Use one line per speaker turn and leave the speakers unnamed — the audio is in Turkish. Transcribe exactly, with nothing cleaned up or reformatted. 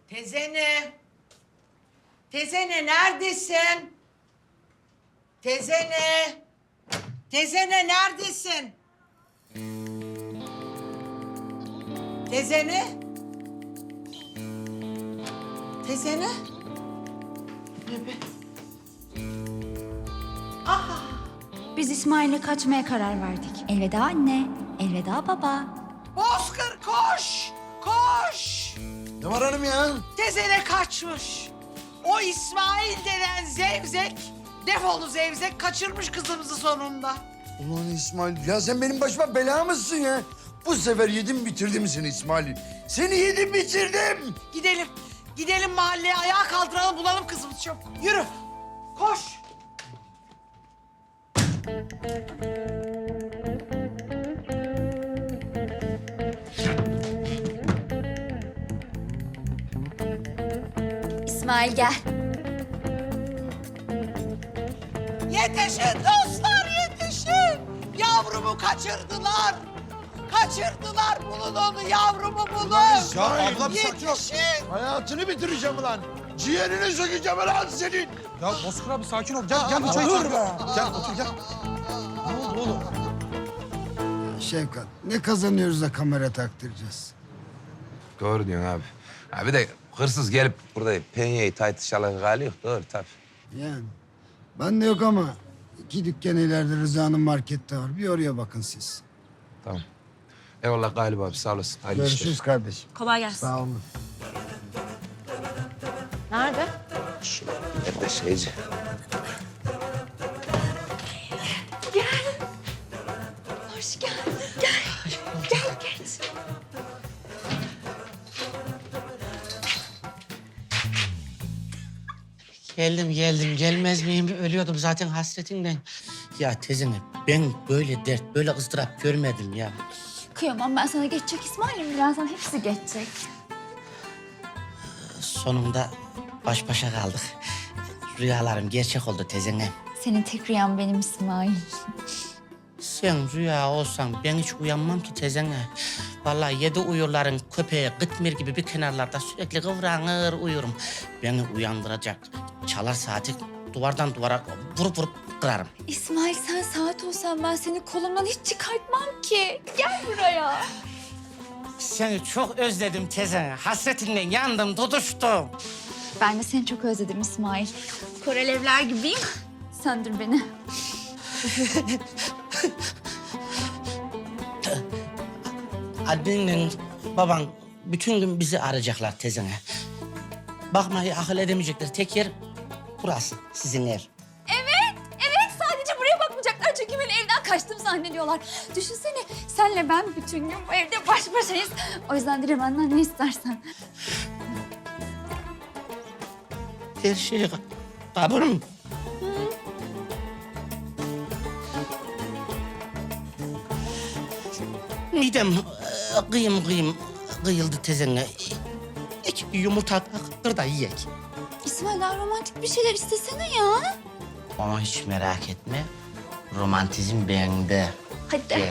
Tezene. Tezene neredesin? Tezene. Tezene neredesin? Tezene. Tezene. Ne be? Aha.
Biz İsmail'le kaçmaya karar verdik. Elveda anne, elveda baba.
Bozkır koş. Koş.
Ne var hanım ya?
Tezene kaçmış. O İsmail denen zevzek, defolu zevzek kaçırmış kızımızı sonunda.
Ulan İsmail, ya sen benim başıma bela mısın ya? Bu sefer yedim bitirdim seni İsmail. Seni yedim bitirdim.
Gidelim, gidelim mahalleye ayağa kaldıralım bulalım kızımızı çabuk. Yürü, koş.
İsmail gel.
Yetişin dostlar yetişin. Yavrumu kaçırdılar. Kaçırdılar bulun onu yavrumu bulun.
Ya abla bir sakin ol.
Yetişin.
Hayatını bitireceğim ulan. Ciğerini sökeceğim ulan senin.
Ya Bozkır abi sakin ol. Gel gel bir çay içelim. Gel otur gel. Ne oldu oğlum?
Şevkat, ne kazanıyoruz da kamera taktıracağız?
Doğru diyorsun abi. Ha bir de hırsız gelip burada penyeyi tartışalı hali yok. Doğru tabii.
Yani ben de yok ama iki dükkan ileride Rıza'nın markette var. Bir oraya bakın siz.
Tamam. Eyvallah Galip abi sağ olasın. Hayırlı
Görüşürüz
işler.
kardeşim.
Kolay gelsin.
Sağ olun.
Nerede?
Nerede şeyci?
Hoş geldin. Gel. Gel geç.
Geldim geldim gelmez miyim? Ölüyordum zaten hasretinden. Ya teyzene ben böyle dert, böyle ızdırap görmedim ya.
Kıyamam ben sana geçecek İsmail'im. Birazdan hepsi geçecek.
Sonunda baş başa kaldık. Rüyalarım gerçek oldu teyzene.
Senin tek rüyan benim İsmail.
Sen rüya olsan ben hiç uyanmam ki teyzene. Vallahi yedi uyurların köpeği Gıtmir gibi bir kenarlarda sürekli kıvranır uyurum. Beni uyandıracak çalar saati duvardan duvara vurup vurup kırarım.
İsmail sen saat olsan ben seni kolumdan hiç çıkartmam ki. Gel buraya.
Seni çok özledim teyzene. Hasretinden yandım, tutuştum.
Ben de seni çok özledim İsmail. Korelevler gibiyim. Söndür beni.
Annenle baban bütün gün bizi arayacaklar teyzene. Bakmayı akıl edemeyecekler. Tek yer burası, sizin ev.
Evet, evet. Sadece buraya bakmayacaklar çünkü beni evden kaçtım zannediyorlar. Düşünsene, senle ben bütün gün bu evde baş başayız. O yüzden dile benden ne istersen.
Her şey kabul mü? Midem e, kıyım kıyım kıyıldı teyzene. İki bir yumurta kır da yiyek.
İsmail daha romantik bir şeyler istesene ya.
Ama hiç merak etme. Romantizm bende.
Hadi.
Gel.